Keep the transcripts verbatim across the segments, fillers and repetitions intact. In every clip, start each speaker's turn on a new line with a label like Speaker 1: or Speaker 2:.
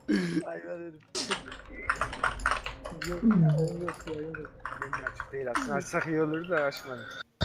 Speaker 1: Hayvan herif.
Speaker 2: Yok yok yok.
Speaker 1: Benim açık değil aslında. Açsak iyi olur da açmadım.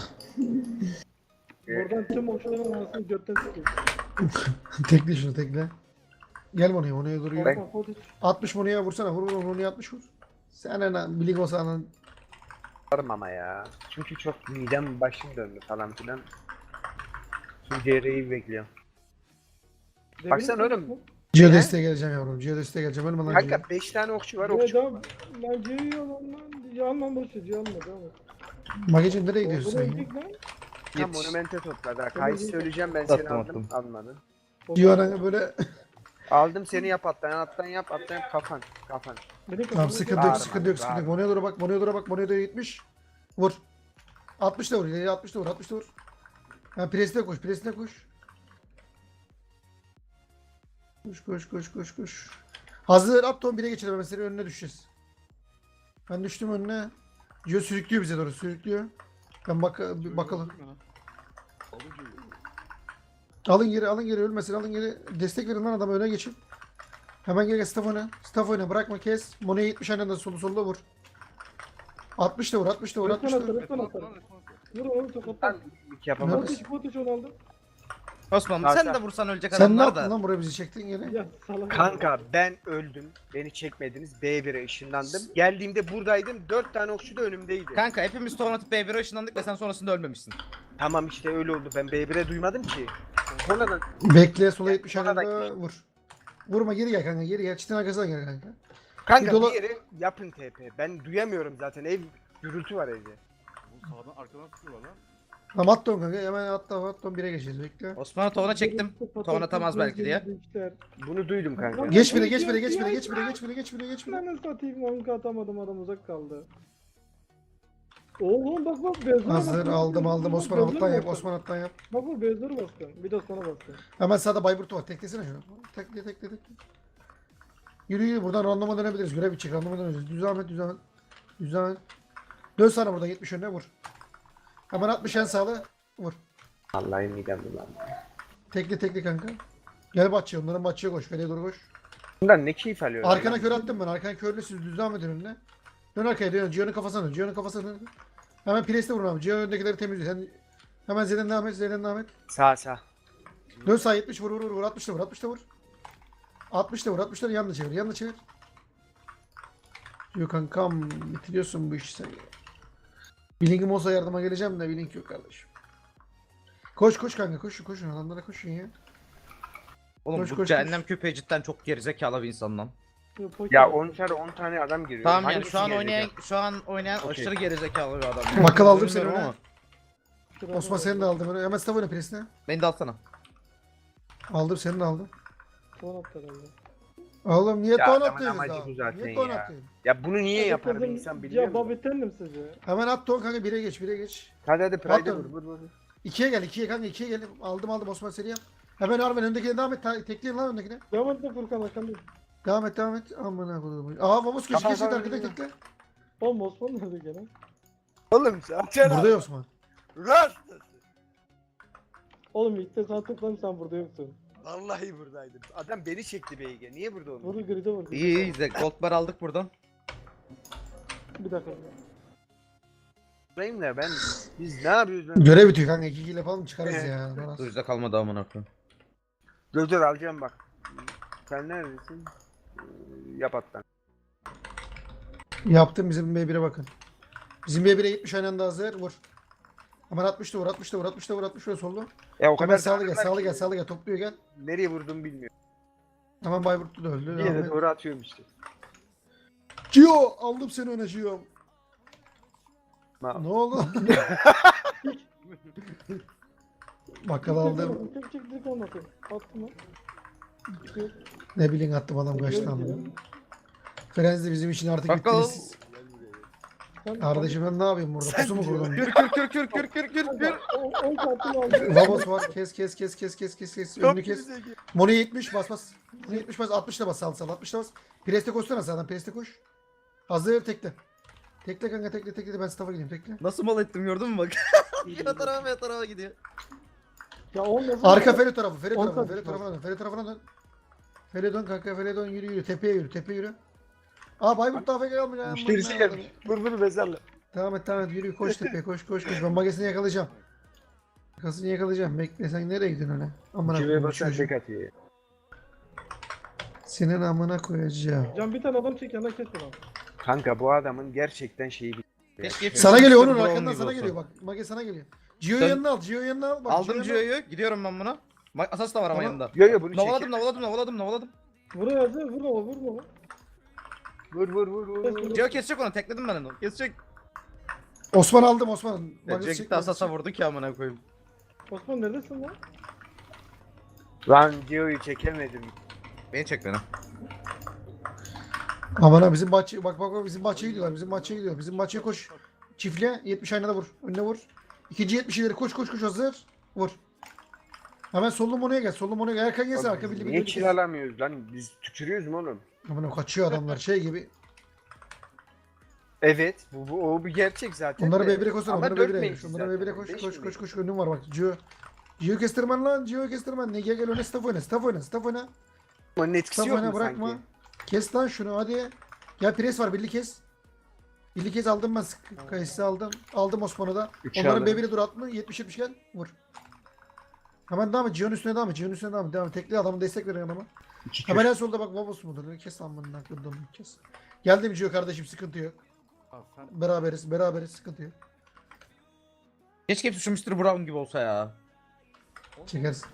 Speaker 2: Buradan tüm okçuların arasını götten sıkıyor.
Speaker 3: Tekle şunu tekle. Gel Mono'ya, Mono'ya doğru yürü.
Speaker 2: Kanka Fodic.
Speaker 3: altmış Mono'ya vursana, vur vur Mono'ya altmış vur. Sen ana bilik olsan
Speaker 1: Varım ama ya. Çünkü çok midem başım döndü falan filan. Şimdi cerreyi bekliyorum. Baksana oğlum.
Speaker 3: Geo
Speaker 1: Ne?
Speaker 3: desteğe geleceğim yavrum. Geo desteğe geleceğim. Ölme lan Geo.
Speaker 1: Kanka beş tane okçu var
Speaker 2: Ya
Speaker 1: okçu.
Speaker 2: devam. Lan geliyor lan lan. Yanma boş ver. Yanma devam et.
Speaker 3: Magicim nereye gidiyorsun sen
Speaker 2: Buraya
Speaker 3: ya?
Speaker 2: gittik lan.
Speaker 1: Tam
Speaker 4: Yetiş.
Speaker 1: monumente topladı. ha.
Speaker 2: Tamam,
Speaker 1: Kayısı
Speaker 2: iyi.
Speaker 1: söyleyeceğim ben seni
Speaker 4: Attım,
Speaker 1: aldım.
Speaker 4: attım.
Speaker 1: Almadın.
Speaker 3: Geo ana böyle
Speaker 1: Aldım seni yap attan attan yap attan yap kafan kafan.
Speaker 2: Beni
Speaker 3: tamam
Speaker 2: kafanı-
Speaker 3: sıkıntı yok
Speaker 1: Bağırma,
Speaker 3: sıkıntı yok sıkıntı yok.
Speaker 1: bağırma.
Speaker 3: Mono'ya doğru bak, Mono'ya doğru bak, Mono'ya doğru gitmiş. Vur. altmış da vur, ileri altmış da vur, altmış da vur. Ha presine koş, presine koş. Koş koş koş koş koş. Hazır at ton bire geçelim, hemen senin önüne düşeceğiz. Ben düştüm önüne. Geo sürüklüyor bize doğru, sürüklüyor. Ben bak bir bakalım. Alın geri, alın geri, ölmesin, alın geri. Destek verin lan adama, öne geçin. Hemen gel, gel staff oyna. Staff oyna, bırakma, kes. Mono'ya yetmiş aynen solu solda vur. altmış da vur, altmış da vur, altmış da
Speaker 2: Resmen
Speaker 3: vur.
Speaker 2: atar, resmen atar. Vur oğlum tokatlar.
Speaker 1: Ben hiç yapamadım.
Speaker 2: Fodic Fodic onu aldı.
Speaker 4: Osman
Speaker 1: Kanka.
Speaker 4: sen de vursan ölecek
Speaker 3: Sen ne
Speaker 4: adamlar
Speaker 3: yaptın
Speaker 4: da.
Speaker 3: lan, buraya bizi çektin gene?
Speaker 2: Ya salak.
Speaker 1: Kanka ben öldüm. Beni çekmediniz. B bire ışınlandım. Geldiğimde buradaydım. dört tane okçu da önümdeydi.
Speaker 4: Kanka hepimiz torun atıp B bire ışınlandık ve sen sonrasında ölmemişsin.
Speaker 1: Tamam işte öyle oldu. Ben B bire duymadım ki. Sonradan
Speaker 3: Bekle, sola
Speaker 1: Ya,
Speaker 3: yetmiş
Speaker 1: bana da
Speaker 3: aynen vur. Vurma, geri gel kanka, geri gel. Çitin arkasından gel kanka.
Speaker 1: kanka
Speaker 3: Bir
Speaker 1: bir,
Speaker 3: dola-
Speaker 1: yere yapın T P. Ben duyamıyorum zaten. Ev gürültü var evde.
Speaker 5: Bu sağdan arkadan sıkıyorlar lan.
Speaker 3: Tamam at ton kanka, hemen atla at ton bire geçeceğiz, bekle.
Speaker 4: Osman'ı tovana çektim. Tovan atamaz belki diye.
Speaker 1: Bunu duydum kanka.
Speaker 3: Geç bire, geç bire, geç bire, geç bire, geç bire, geç bire, geç bire.
Speaker 2: Ben satayım on K atamadım, adam uzak kaldı. Oğlum bak bak bezlere bak.
Speaker 3: Hazır,
Speaker 2: bak,
Speaker 3: aldım
Speaker 2: bak,
Speaker 3: aldım.
Speaker 2: bak,
Speaker 3: Osman
Speaker 2: bezlere
Speaker 3: alttan yap,
Speaker 2: bak.
Speaker 3: Osman alttan yap.
Speaker 2: Bak bak bezlere bastın. Bir de sana bastın.
Speaker 3: Hemen sağda Bayburt'u var, teklesene şunu. Tekle tekle tekle. Yürü yürü, buradan randoma dönebiliriz. Görev içecek, randoma döneceğiz. Düz Ahmet, düz Ahmet. Düz Ahmet. Dön sana buradan, yetmiş önüne vur. Hemen altmış en sağlı. Vur.
Speaker 1: Vallahi midem bulandı.
Speaker 3: Tekle tekle kanka. Gel bahçeye, onların bahçeye koş. Feriye doğru koş.
Speaker 1: Bundan ne keyif alıyorlar?
Speaker 3: Arkana
Speaker 1: lan?
Speaker 3: kör attım ben. Arkana körle siz düz devam edin önüne. Dön arkaya dön. Gio'nun kafasına dön. Gio'nun kafasına dön. Hemen Priest'e vurun abi. Gio öndekileri temizliyor. Sen hemen Z'den devam et. Z'den devam et.
Speaker 1: Sağ sağ.
Speaker 3: Dön sağ yetmiş vur vur vur. vur. altmış da vur. altmış da vur. altmış da vur. altmış da yanına çevir. Yanına çevir. Diyor kankam bitiriyorsun bu işi sen. Blink'im olsa yardıma geleceğim de Blink yok kardeşim. Koş koş kanka koşun koşun adamlara koşun ya.
Speaker 4: Oğlum
Speaker 3: Koş,
Speaker 4: bu
Speaker 3: koş,
Speaker 4: cehennem köpeği cidden çok gerizekalı bir insan lan.
Speaker 1: Ya on tane on tane adam giriyor.
Speaker 4: Tamam yani
Speaker 1: Hangisi
Speaker 4: şu an
Speaker 1: gelecek?
Speaker 4: oynayan şu an oynayan
Speaker 1: Okey.
Speaker 4: aşırı gerizekalı bir adam.
Speaker 3: Bakkal aldım seni
Speaker 4: Bilmiyorum
Speaker 3: öne.
Speaker 4: ama
Speaker 3: Osman seni de aldım öne. Hemen staff oyna Priest'e.
Speaker 4: beni de alsana.
Speaker 3: Aldım seni de aldım.
Speaker 2: Son attı herhalde.
Speaker 3: Oğlum niye
Speaker 1: Ya
Speaker 3: ton
Speaker 1: adamın
Speaker 3: atıyorsun
Speaker 1: amacı
Speaker 3: daha?
Speaker 1: bu zaten
Speaker 3: Niye ton
Speaker 1: ya.
Speaker 3: atıyorsun?
Speaker 1: Ya bunu niye yapar bir
Speaker 2: Kızım,
Speaker 1: insan biliyor
Speaker 2: Ya
Speaker 1: musun?
Speaker 2: babettendim size.
Speaker 3: Hemen at ton kanka bire geç bire geç.
Speaker 1: Hadi hadi Pride'e
Speaker 3: Atın.
Speaker 1: vur vur vur.
Speaker 3: İkiye gel ikiye kanka ikiye gel. Aldım aldım Osman seni yap. Hemen Arven öndekine devam et. Ta- Tekleyin lan öndekine.
Speaker 2: Devam et de Furkan arkanda.
Speaker 3: Devam et devam et. Aman ha koydum. Aa Vamos köşe
Speaker 1: Tamam,
Speaker 3: geçti
Speaker 1: tamam,
Speaker 3: arkada
Speaker 1: tamam.
Speaker 3: tekle.
Speaker 2: Oğlum Osman nerede gene?
Speaker 1: Oğlum zaten
Speaker 3: Burada ya Osman.
Speaker 1: Rast.
Speaker 2: Oğlum ilk de sana tıkladım sen burada yoksun.
Speaker 1: Vallahi buradaydım. Adam beni çekti B G. Niye burada oldu?
Speaker 2: Burada gride vurdu.
Speaker 4: İyi iyi izle. Gold bar aldık buradan.
Speaker 2: Bir dakika.
Speaker 1: Buradayım da ben biz ne yapıyoruz lan?
Speaker 3: Görev bitiyor kanka iki kill yapalım çıkarız ya. Bana-
Speaker 4: Duyucuda kalmadı amına koyayım.
Speaker 1: Dur dur alacağım bak. Sen neredesin? Ee, Yap attan.
Speaker 3: Yaptım bizim B bire bakın. Bizim B bire yetmiş aynen de hazır vur. Hemen altmış da vur altmış da vur altmış da vur altmış da vur solda.
Speaker 1: Ya o
Speaker 3: Hemen
Speaker 1: kadar
Speaker 3: sağlı gel
Speaker 1: sağlıklar
Speaker 3: sağlı
Speaker 1: ki
Speaker 3: gel sağlı gel topluyor gel.
Speaker 1: Nereye vurdum bilmiyorum.
Speaker 3: Hemen Bayburtlu da öldü.
Speaker 1: Bir
Speaker 3: Devam
Speaker 1: yere
Speaker 3: et.
Speaker 1: doğru atıyorum işte.
Speaker 3: Gio aldım seni öne Gio.
Speaker 1: Ma
Speaker 3: Ne oldu? Bakkal aldım.
Speaker 2: Çek çek direkt anlatayım. Attım lan.
Speaker 3: Ne bileyim attım adam kaçtı aldım. Frenz de bizim için artık
Speaker 4: Bakkal.
Speaker 3: bittiniz. Kardeşim ben ne yapayım burada? Pusu mu kurdum?
Speaker 4: Kür kür kür kür kür kür kür kür.
Speaker 2: on kartını aldım.
Speaker 3: Vamos var. Kes kes kes kes kes kes kes. Önünü kes. Mono yetmiş bas bas. Mono yetmiş bas. altmış da bas sal sal. altmış da bas. Preste koşsana sağdan. Preste koş. Hazır tekle. Tekle kanka tekle tekle. Ben staff'a gideyim tekle.
Speaker 4: Nasıl mal ettim gördün mü bak. ya tarafa ya tarafa gidiyor.
Speaker 2: Ya on nasıl?
Speaker 3: Arka Feri tarafı. Feri
Speaker 2: On
Speaker 3: tarafına.
Speaker 2: tarafı.
Speaker 3: Feri tarafına dön. Feri tarafına dön. Fele dön kanka, fele dön, yürü yürü, tepeye yürü, tepeye yürü. Aa Bayburt daha fake almış ya.
Speaker 1: Müşterisi
Speaker 3: Aman
Speaker 1: gelmiş.
Speaker 3: Allah'ım.
Speaker 1: Vur vur mezarla.
Speaker 3: Devam et, devam et, yürü, koş tepeye, koş koş koş. Ben magesini yakalayacağım. Makasını yakalayacağım. Bekle, sen nereye gidiyorsun öyle? Aman
Speaker 1: Civeye
Speaker 3: akıllım
Speaker 1: basan
Speaker 3: çocuğum.
Speaker 1: tek atıyor.
Speaker 3: Senin amına koyacağım.
Speaker 2: Can bir tane adam çek yanına kes onu.
Speaker 1: Kanka bu adamın gerçekten şeyi bir...
Speaker 4: Keşke hep-
Speaker 3: Sana geliyor onun
Speaker 4: Brown
Speaker 3: arkandan
Speaker 4: gibi
Speaker 3: sana
Speaker 4: olsa.
Speaker 3: geliyor bak. Mage sana geliyor. Gio'yu
Speaker 4: Sen-
Speaker 3: yanına al, Gio'yu yanına al. Bak,
Speaker 4: Aldım
Speaker 3: Gio'yu yanına al.
Speaker 4: Gio'yu. Gidiyorum ben buna. Bak asas da var ama
Speaker 3: Tamam.
Speaker 4: yanında.
Speaker 1: Yo yo bunu
Speaker 4: Navaladım
Speaker 1: çekin.
Speaker 4: navaladım navaladım navaladım.
Speaker 2: Vur yazı vur baba vur baba.
Speaker 1: Vur vur vur vur. vur.
Speaker 4: Gio kesecek onu tekledim ben onu. Kesecek.
Speaker 3: Osman aldım Osman.
Speaker 4: Ya
Speaker 3: Magesi
Speaker 4: Gio
Speaker 3: çek,
Speaker 4: gitti asasa
Speaker 3: magesi
Speaker 4: vurdu ki amına koyayım.
Speaker 2: Osman neredesin lan?
Speaker 1: Lan Gio'yu çekemedim.
Speaker 4: Beni çek beni.
Speaker 3: çek. Aman ha bizim bahçe bak bak bak bizim bahçeye gidiyorlar. Bizim bahçeye gidiyor. Bizim bahçeye koş. Çiftle yetmiş aynada vur. Önüne vur. İkinci yetmiş ileri koş koş koş hazır. Vur. Hemen sollu monoya gel. Sollu monoya gel. Erkan gelsin arka birliği
Speaker 1: Niye
Speaker 3: birliği.
Speaker 1: kill alamıyoruz lan? Biz tükürüyoruz mu oğlum?
Speaker 3: Aman ha, kaçıyor adamlar şey gibi.
Speaker 1: Evet. Bu, bu o bir gerçek zaten.
Speaker 3: Onları
Speaker 1: de.
Speaker 3: B bir'e koşsana.
Speaker 1: Ama
Speaker 3: Onları
Speaker 1: dört
Speaker 3: B bir'e.
Speaker 1: main
Speaker 3: Onları
Speaker 1: zaten,
Speaker 3: B bir'e koş
Speaker 1: beş
Speaker 3: koş
Speaker 1: main.
Speaker 3: koş koş. Önüm var bak. Gio. Gio kestirmen lan. Gio kestirmen. Nege gel öne staff oyna. Staff oyna. Staff oyna.
Speaker 1: Onun etkisi
Speaker 3: Staff
Speaker 1: yok
Speaker 3: oyna
Speaker 1: mu
Speaker 3: bırakma.
Speaker 1: sanki?
Speaker 3: Kes lan şunu hadi. Gel pres var birli kes. Birli kes aldım ben sık- kayısı aldım. Aldım Osman'ı da.
Speaker 1: Üçü
Speaker 3: Onların
Speaker 1: aldım.
Speaker 3: B bir'e dur atma. yetmiş yetmiş gel. Vur. Hemen devam et. Gio'nun üstüne devam et. Gio'nun üstüne devam et. Devam et. Tekli adamı destek veriyor adama.
Speaker 1: İki
Speaker 3: Hemen
Speaker 1: kür.
Speaker 3: en solda bak babası mudur? Kes lan bunun aklımda onu kes. Geldim Gio kardeşim sıkıntı yok.
Speaker 5: Abi sen
Speaker 3: Beraberiz. Beraberiz sıkıntı yok.
Speaker 4: Keşke hepsi şu mister Brown gibi olsa ya.
Speaker 3: Çekersin.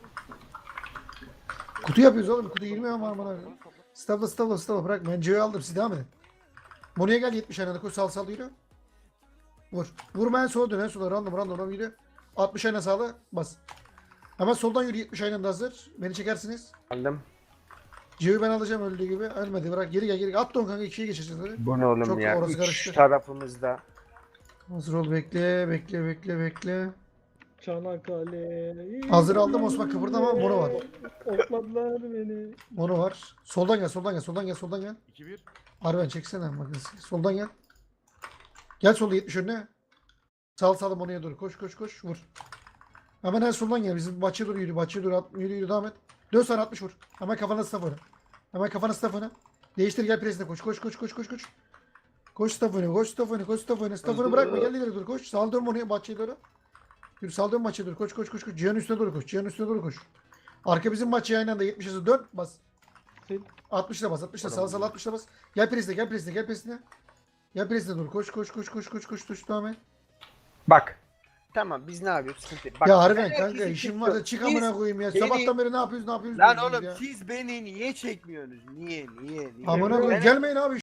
Speaker 3: Kutu yapıyoruz oğlum. Kutu yirmi ama aman abi. Stavla stavla stavla bırak. Ben Gio'yu aldım. Siz devam edin. Mono'ya gel yetmiş aynen. Koş sal sal yürü. Vur. Vurma en sola dön. En sola random random random yürü. altmış aynen sağla. Bas. Hemen soldan yürü yetmiş aynen de hazır. Beni çekersiniz.
Speaker 1: Aldım.
Speaker 3: Gio'yu ben alacağım öldüğü gibi. Ölmedi bırak. Geri gel geri gel. At don kanka ikiye geçeceğiz hadi.
Speaker 1: Bu ne oğlum
Speaker 3: Çok
Speaker 1: ya?
Speaker 3: orası
Speaker 1: Üç
Speaker 3: karıştı.
Speaker 1: tarafımızda.
Speaker 3: Hazır ol bekle bekle bekle bekle.
Speaker 2: Çanakkale.
Speaker 3: Hazır aldım Osman, kıpırdama, mono var.
Speaker 2: Okladılar beni.
Speaker 3: Mono var. Soldan gel soldan gel soldan gel soldan gel.
Speaker 5: iki bir.
Speaker 3: Arben çeksene bakın. Soldan gel. Gel solda yetmiş önüne. Sağ sağda monoya doğru. Koş koş koş. Vur. Hemen en soldan gel. Bizim bahçeye doğru yürü. Bahçeye doğru at, yürü yürü devam et. Dön sana altmış vur. Hemen kafana staff oyna. Hemen kafana staff oyna. Değiştir gel presine koş. Koş koş koş koş koş. Koş staff oyna. Koş staff oyna. Koş staff oyna. Staff oyna bırakma. Gel ileri dur. Koş. Sağ dön monoya bahçeye doğru. Yürü sağ dön bahçeye doğru. Koş koş koş koş. Cihan'ın üstüne doğru koş. Cihan'ın üstüne doğru koş. Arka bizim bahçeye aynı anda yetmiş hızı dön. Bas.
Speaker 2: Sil.
Speaker 3: altmışla bas. altmışla sağ sağ altmışla bas. Gel presine gel presine gel presine. Gel presine doğru. Koş koş koş koş koş koş koş devam et.
Speaker 1: Bak. Tamam biz ne yapıyoruz? Sıkıntı yok. Bak,
Speaker 3: Ya harbiden
Speaker 1: ben
Speaker 3: kanka
Speaker 1: herkesi
Speaker 3: işim var da çık
Speaker 1: çekiyorum.
Speaker 3: amına koyayım ya.
Speaker 1: Beni-
Speaker 3: Sabahtan beri ne yapıyoruz ne yapıyoruz
Speaker 1: Lan
Speaker 3: diyorsunuz
Speaker 1: oğlum
Speaker 3: ya.
Speaker 1: siz beni niye çekmiyorsunuz? Niye niye niye?
Speaker 3: Amına
Speaker 1: Ben-
Speaker 3: koyayım gelmeyin abi.